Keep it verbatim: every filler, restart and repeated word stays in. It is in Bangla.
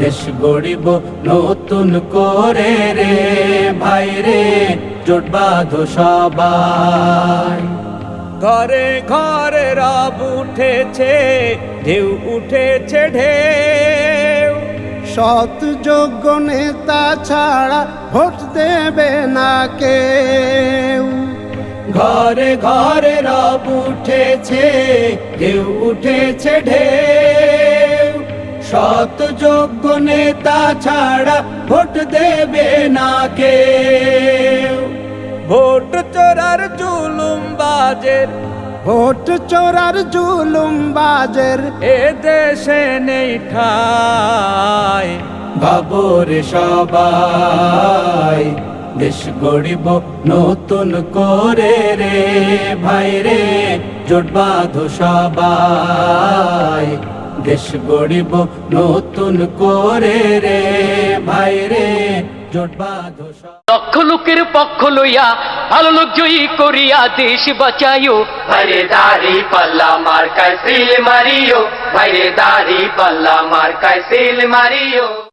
দেশ গড়িব নতুন করে রে ভাই রে, জোট বাঁধো সবাই। ঘরে ঘরে রব উঠেছে, ঢেউ উঠেছে ঢেউ, সৎ যোগ্য নেতা ছাড়া ভোট দেবে না কেউ। ঘরে ঘরে রব উঠেছে, ঢেউ উঠেছে ঢেউ, সৎ যোগ্য নেতা ছাড়া ভোট দেবে না কেউ। ভোট চোরার জুলুম বাজের, ভোট চোরার জুলুম বাজের এ দেশে নেই ঠাঁই। বাবরে সবাই, দেশ গড়িব নতুন করে রে ভাই রে, জোট বাঁধো সবাই। দেশ গড়িব নতুন করে রে ভাই রে, জোট বাঁধো সবাই। লক্ষ লোকের পক্ষ লইয়া ভালো লোক জয়ী করিয়া দেশ বাঁচাইও, ভাইরে দাড়ি পাল্লা মার্কায় সিল মারিও, ভাইরে দাড়ি পাল্লা মার্কায় সিল মারিও।